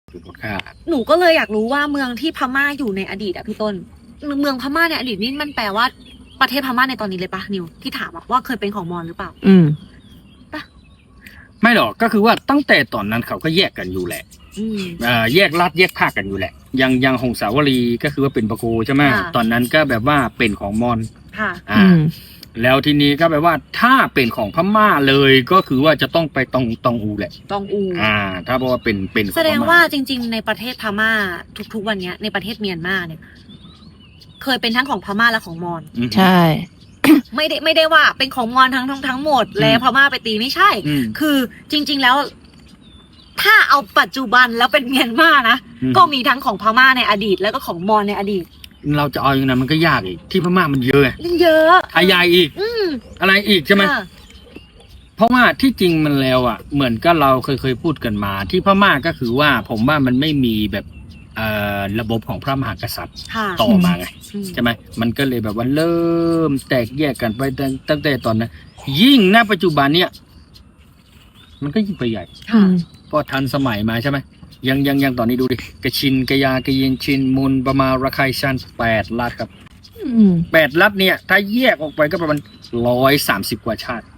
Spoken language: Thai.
ถูกฆ่าหนูก็เลยอยากรู้ว่าเมืองที่พม่าอยู่ในอดีตอะพี่ต้น เมืองพม่าในอดีตนี่มันแปลว่าประเทศพม่าในตอนนี้เลยปะนิวที่ถามอะว่าเคยเป็นของมอญหรือเปล่าไม่หรอกก็คือว่าตั้งแต่ตอนนั้นเขาก็แยกกันอยู่แหละ แยกรัฐแยกภาคกันอยู่แหละยังหงสาวรีก็คือว่าเป็นปะโกใช่ไหมค่ะตอนนั้นก็แบบว่าเป็นของมอญค่ะแล้วทีนี้ก็แบบว่าถ้าเป็นของพม่าเลยก็คือว่าจะต้องไปตองอูแหละตองอูถ้าบอกว่าเป็นของแสดงพม่ว่าจริง ๆ ในประเทศพม่าทุกๆวันเนี้ยในประเทศเมียนมาเนี่ย เคยเป็นทั้งของพม่าและของมอญอืมใช่ไม่ได้ว่าเป็นของมอญทั้งหมด แล้วพม่าไปตีไม่ใช่อืมคือจริง ๆแล้ว ถ้าเอาปัจจุบันแล้วเป็นเมียนมานะอืมก็มีทั้งของพม่าในอดีต แล้วก็ของมอญในอดีตเราจะเอาอย่างนั้นมันก็ยากอีกที่พม่ามันเยอะไงเยอะอายายอีก อะไรอีกใช่ไหมค่ะเพราะว่าที่จริงมันแล้วเหมือนก็เราเคยพูดกันมา ที่พม่าก็คือว่าผมว่ามันไม่มีแบบระบบของพระมหากษัตริย์ค่ะต่อมาไงอืมใช่ไหมมันก็เลยแบบว่าเริ่มแตกแยกกันไปตั้งแต่ตอนนั้น ยิ่งณปัจจุบันเนี่ยมันก็ยิ่งไปใหญ่ค่ะก็ทันสมัยมาใช่ไหมยังตอนนี้ดูดิกระชินกระยากระเยนชินมุนประมาระไคชัน8 รัฐครับ8 รัฐเนี่ย ถ้าแยกออกไปก็ประมาณ130 กว่าชาติ